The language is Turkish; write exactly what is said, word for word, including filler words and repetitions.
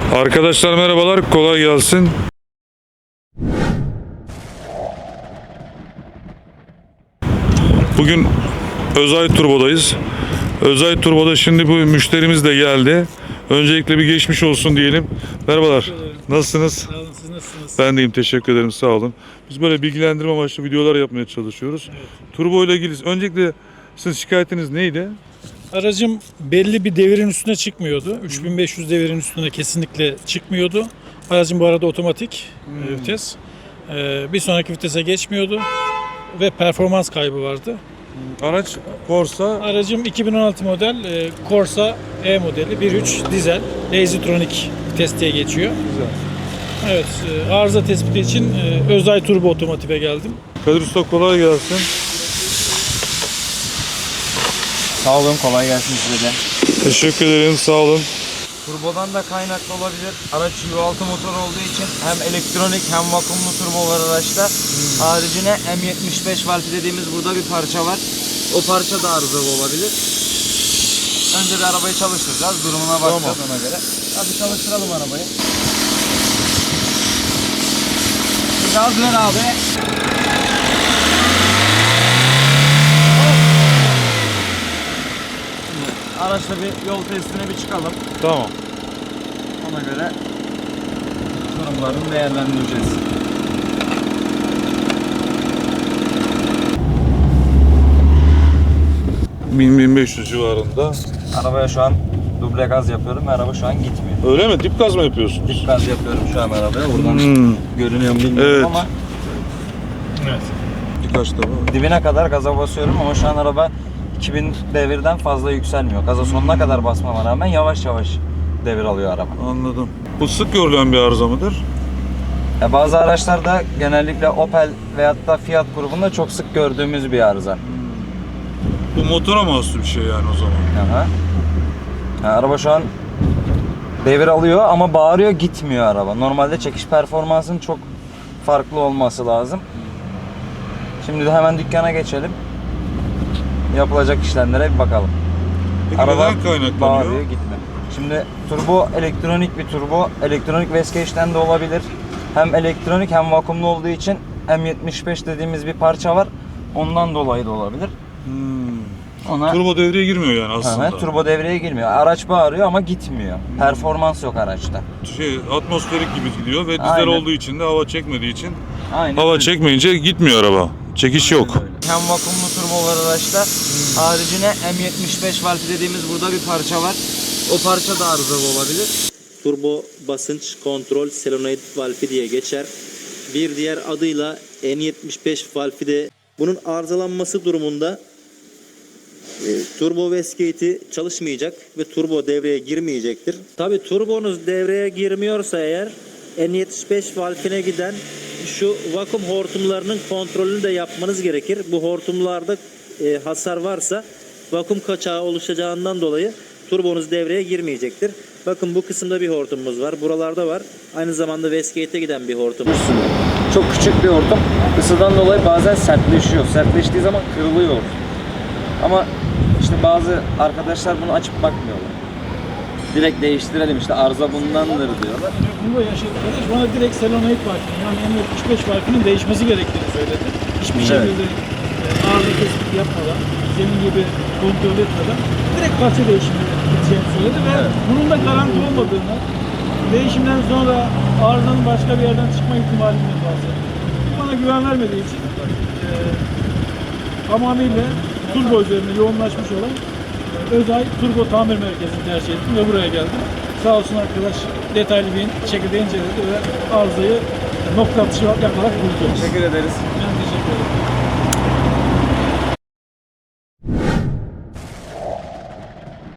Arkadaşlar merhabalar, kolay gelsin. Bugün Özay Turbo'dayız. Özay Turbo'da şimdi bu müşterimiz de geldi. Öncelikle bir geçmiş olsun diyelim. Merhabalar, nasılsınız? Sağ olun, siz nasılsınız? Ben deyim, teşekkür ederim, sağ olun. Biz böyle bilgilendirme amaçlı videolar yapmaya çalışıyoruz. Evet. Turbo ile ilgili öncelikle sizin şikayetiniz neydi? Aracım belli bir devirin üstüne çıkmıyordu. üç bin beş yüz devirin üstüne kesinlikle çıkmıyordu. Aracım bu arada otomatik Hmm. vites. Ee, bir sonraki vitese geçmiyordu ve performans kaybı vardı. Araç Corsa. Aracım iki bin on altı model e, Corsa E modeli bir nokta üç dizel Lazytronic vites diye geçiyor. Güzel. Evet, e, arıza tespiti için e, Özay Turbo Otomotiv'e geldim. Kadir Usta, kolay gelsin. Sağ olun, kolay gelsin size de. Teşekkür ederim, sağ olun. Turbodan da kaynaklı olabilir. Araç V altı motor olduğu için hem elektronik hem vakumlu turbo var araçta. Hmm. Haricine M yetmiş beş valfi dediğimiz burada bir parça var. O parça da arızalı olabilir. Önce bir arabayı çalıştıracağız. Durumuna bakacağız tamam. Ona göre. Hadi çalıştıralım arabayı. Gaz ver abi. Araçla bir yol testine bir çıkalım. Tamam. Ona göre durumlarını değerlendireceğiz. bin bin beş yüz civarında. Arabaya şu an duble gaz yapıyorum ve araba şu an gitmiyor. Öyle mi? Dip gaz mı yapıyorsun? Dip gaz yapıyorum şu an arabaya. Buradan Hmm. görünüyor mu bilmiyorum Evet. ama Evet. Birkaç defa. dibine kadar gaza basıyorum ama şu an araba iki bin devirden fazla yükselmiyor. Gaza sonuna kadar basmama rağmen yavaş yavaş devir alıyor araba. Anladım. Bu sık görülen bir arıza mıdır? Ya bazı araçlarda genellikle Opel veyahut da Fiat grubunda çok sık gördüğümüz bir arıza. Bu motora mahsus bir şey yani o zaman. Aha. Yani araba şu an devir alıyor ama bağırıyor, gitmiyor araba. Normalde çekiş performansının çok farklı olması lazım. Şimdi de hemen dükkana geçelim. Yapılacak işlemlere bir bakalım. Peki Araba neden kaynaklanıyor? bağırıyor, gitme. Şimdi turbo elektronik bir turbo. Elektronik Vescage'den de olabilir. Hem elektronik hem vakumlu olduğu için M yetmiş beş dediğimiz bir parça var. Ondan dolayı da olabilir. Hmm. Ona Turbo devreye girmiyor yani aslında. Evet, turbo devreye girmiyor. Araç bağırıyor ama gitmiyor. Hmm. Performans yok araçta. Şey, atmosferik gibi gidiyor ve dizel Aynen. olduğu için de hava çekmediği için Aynen. hava öyle. çekmeyince gitmiyor araba. Çekiş Aynen yok. öyle. Hem vakumlu turbo var araçta. Hmm. Haricine M yetmiş beş valfi dediğimiz burada bir parça var. O parça da arızalı olabilir. Turbo basınç kontrol solenoid valfi diye geçer. Bir diğer adıyla N yetmiş beş valfi de. Bunun arızalanması durumunda e, turbo wastegate'i çalışmayacak ve turbo devreye girmeyecektir. Tabi turbonuz devreye girmiyorsa eğer N yetmiş beş valfine giden şu vakum hortumlarının kontrolünü de yapmanız gerekir. Bu hortumlarda e, hasar varsa vakum kaçağı oluşacağından dolayı turbonuz devreye girmeyecektir. Bakın bu kısımda bir hortumumuz var. Buralarda var. Aynı zamanda wastegate'e giden bir hortum. Çok küçük bir hortum. Isıdan dolayı bazen sertleşiyor. Sertleştiği zaman kırılıyor. Ama işte bazı arkadaşlar bunu açıp bakmıyorlar. Direkt değiştirelim, işte arıza bundandır diyorlar. Bunda yaşadık arkadaş bana direkt solenoid valfinin yani M yetmiş beş valfinin değişmesi gerektiğini söyledi. Hiçbir Evet. şekilde e, arıza tespiti yapmadan, senin gibi kontrol etmeden direkt parça değişimi gideceğini söyledi ve Evet. bunun da garanti olmadığını, değişimden sonra arızanın başka bir yerden çıkma ihtimalinden bahsetti. Bana güven vermediği için e, tamamıyla turbo üzerine yoğunlaşmış olan e, Özay Turbo Tamir Merkezi'ni tercih ettim ve buraya geldim. Sağ olsun arkadaş detaylı bir şekilde inceledi ve arızayı nokta atışı yaparak buldu. Teşekkür ederiz. Ben teşekkür ederim.